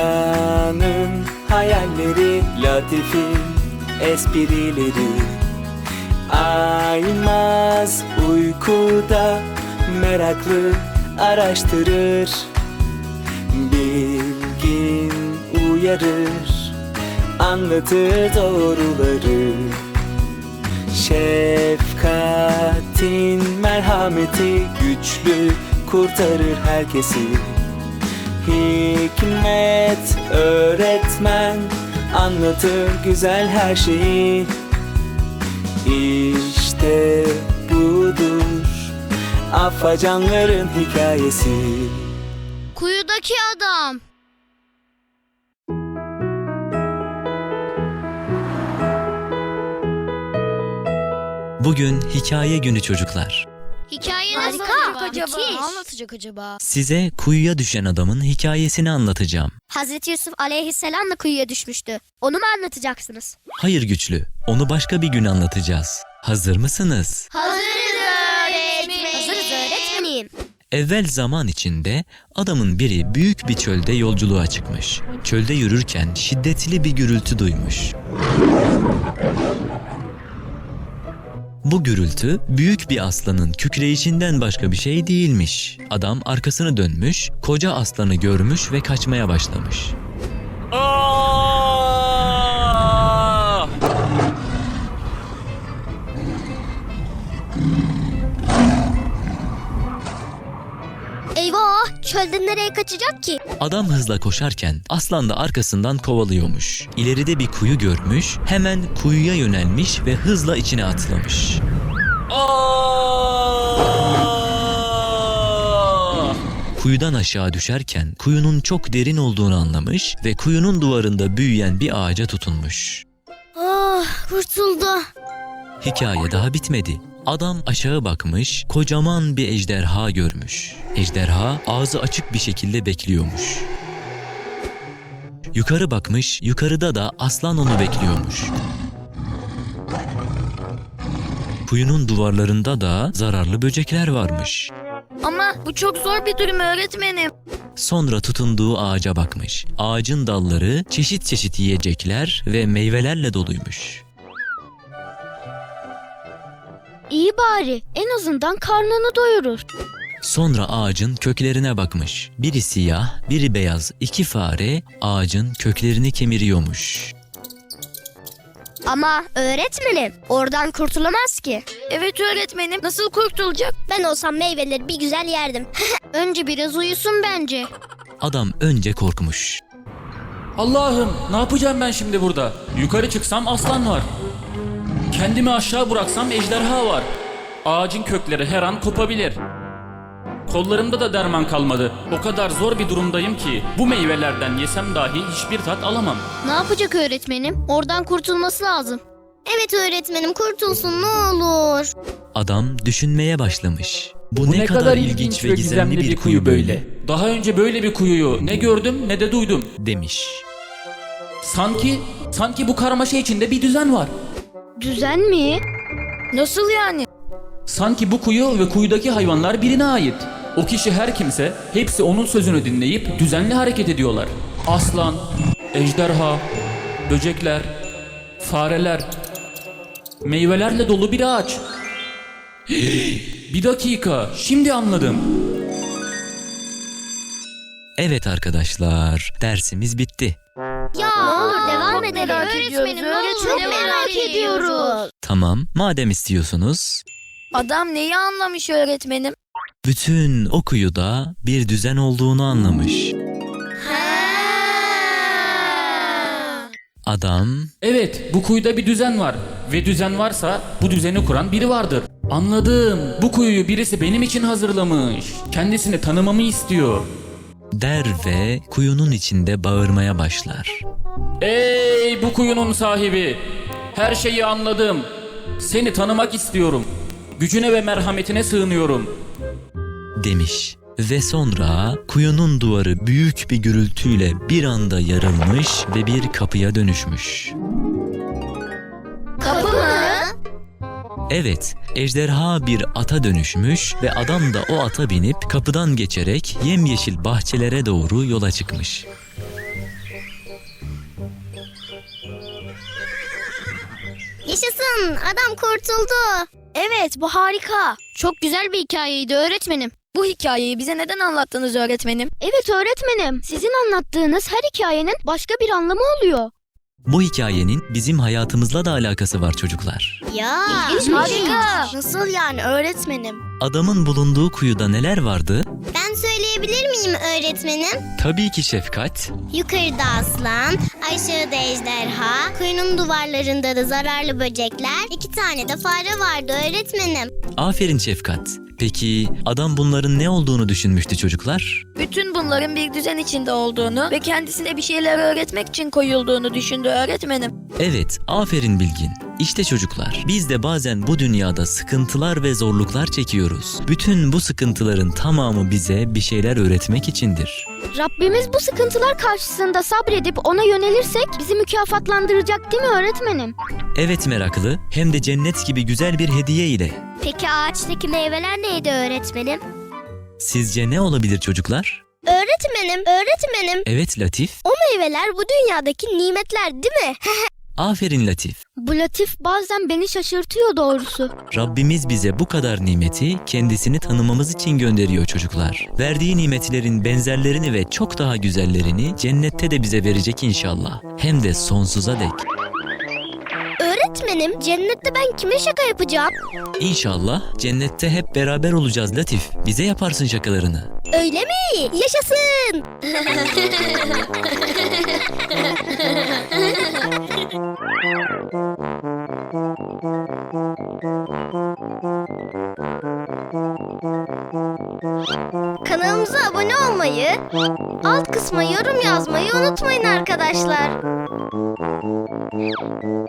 Dünyanın hayalleri, latifi esprileri aymaz uykuda, meraklı araştırır, bilgin uyarır, anlatır doğruları. Şefkatin merhameti güçlü, kurtarır herkesi. Hikmet öğretmen, anlatır güzel her şeyi. İşte budur afacanların hikayesi. Kuyudaki adam. Bugün hikaye günü çocuklar. Hikaye nasıl acaba? Ne anlatacak acaba? Size kuyuya düşen adamın hikayesini anlatacağım. Hazreti Yusuf aleyhisselam da kuyuya düşmüştü. Onu mu anlatacaksınız? Hayır güçlü, onu başka bir gün anlatacağız. Hazır mısınız? Hazırız öğretmenim. Hazırız öğretmenim. Evvel zaman içinde adamın biri büyük bir çölde yolculuğa çıkmış. Çölde yürürken şiddetli bir gürültü duymuş. Bu gürültü büyük bir aslanın kükreyişinden başka bir şey değilmiş. Adam arkasını dönmüş, koca aslanı görmüş ve kaçmaya başlamış. Aa! Eyvah! Çölden nereye kaçacak ki? Adam hızla koşarken aslan da arkasından kovalıyormuş. İleride bir kuyu görmüş, hemen kuyuya yönelmiş ve hızla içine atlamış. Kuyudan aşağı düşerken kuyunun çok derin olduğunu anlamış ve kuyunun duvarında büyüyen bir ağaca tutunmuş. Ah, kurtuldu. Hikaye daha bitmedi. Adam aşağı bakmış, kocaman bir ejderha görmüş. Ejderha ağzı açık bir şekilde bekliyormuş. Yukarı bakmış, yukarıda da aslan onu bekliyormuş. Kuyunun duvarlarında da zararlı böcekler varmış. Ama bu çok zor bir durum öğretmenim. Sonra tutunduğu ağaca bakmış. Ağacın dalları çeşit çeşit yiyecekler ve meyvelerle doluymuş. İyi bari. En azından karnını doyurur. Sonra ağacın köklerine bakmış. Biri siyah, biri beyaz iki fare ağacın köklerini kemiriyormuş. Ama öğretmenim, oradan kurtulamaz ki. Evet öğretmenim. Nasıl kurtulacak? Ben olsam meyveleri bir güzel yerdim. Önce biraz uyusun bence. Adam önce korkmuş. Allah'ım, ne yapacağım ben şimdi burada? Yukarı çıksam aslan var. Kendimi aşağı bıraksam ejderha var. Ağacın kökleri her an kopabilir. Kollarımda da derman kalmadı. O kadar zor bir durumdayım ki bu meyvelerden yesem dahi hiçbir tat alamam. Ne yapacak öğretmenim? Oradan kurtulması lazım. Evet öğretmenim, kurtulsun ne olur. Adam düşünmeye başlamış. Bu ne kadar ilginç ve gizemli bir kuyu böyle Daha önce böyle bir kuyuyu ne gördüm ne de duydum. demiş. Sanki bu karmaşa içinde bir düzen var. Düzen mi? Nasıl yani? Sanki bu kuyu ve kuyudaki hayvanlar birine ait. O kişi her kimse, hepsi onun sözünü dinleyip düzenli hareket ediyorlar. Aslan, ejderha, böcekler, fareler, meyvelerle dolu bir ağaç. Bir dakika, şimdi anladım. Evet arkadaşlar, dersimiz bitti. Ya ne olur devam edelim. Öğretmenim ne olur Çok merak ediyoruz. Tamam, madem istiyorsunuz. Adam neyi anlamış öğretmenim? Bütün o kuyuda bir düzen olduğunu anlamış. Adam Evet, bu kuyuda bir düzen var. Ve düzen varsa bu düzeni kuran biri vardır. Anladım, bu kuyuyu birisi benim için hazırlamış. Kendisini tanımamı istiyor. der ve kuyunun içinde bağırmaya başlar. Ey bu kuyunun sahibi! Her şeyi anladım. Seni tanımak istiyorum. Gücüne ve merhametine sığınıyorum. Demiş. Ve sonra kuyunun duvarı büyük bir gürültüyle bir anda yarılmış ve bir kapıya dönüşmüş. Kapı mı? Evet, ejderha bir ata dönüşmüş ve adam da o ata binip kapıdan geçerek yemyeşil bahçelere doğru yola çıkmış. Yaşasın, adam kurtuldu. Evet, bu harika. Çok güzel bir hikayeydi öğretmenim. Bu hikayeyi bize neden anlattınız öğretmenim? Evet öğretmenim, sizin anlattığınız her hikayenin başka bir anlamı oluyor. Bu hikayenin bizim hayatımızla da alakası var çocuklar. Ya, Harika. Nasıl yani öğretmenim? Adamın bulunduğu kuyuda neler vardı? Ben söyleyebilir miyim öğretmenim? Tabii ki Şefkat. Yukarıda aslan, aşağıda ejderha, kuyunun duvarlarında da zararlı böcekler, 2 tane de fare vardı öğretmenim. Aferin Şefkat. Peki adam bunların ne olduğunu düşünmüştü çocuklar? Bütün bunların bir düzen içinde olduğunu ve kendisine bir şeyler öğretmek için koyulduğunu düşündü öğretmenim. Evet, aferin Bilgin. İşte çocuklar, biz de bazen bu dünyada sıkıntılar ve zorluklar çekiyoruz. Bütün bu sıkıntıların tamamı bize bir şeyler öğretmek içindir. Rabbimiz bu sıkıntılar karşısında sabredip ona yönelirsek bizi mükafatlandıracak değil mi öğretmenim? Evet meraklı, hem de cennet gibi güzel bir hediye ile. Peki ağaçtaki meyveler neydi öğretmenim? Sizce ne olabilir çocuklar? Öğretmenim. Evet Latif. O meyveler bu dünyadaki nimetler değil mi? Aferin Latif. Bu Latif bazen beni şaşırtıyor doğrusu. Rabbimiz bize bu kadar nimeti kendisini tanımamız için gönderiyor çocuklar. Verdiği nimetlerin benzerlerini ve çok daha güzellerini cennette de bize verecek inşallah. Hem de sonsuza dek. Öğretmenim, cennette ben kime şaka yapacağım? İnşallah cennette hep beraber olacağız Latif. Bize yaparsın şakalarını. Öyle mi? Yaşasın! Kanalımıza abone olmayı, alt kısma yorum yazmayı unutmayın arkadaşlar.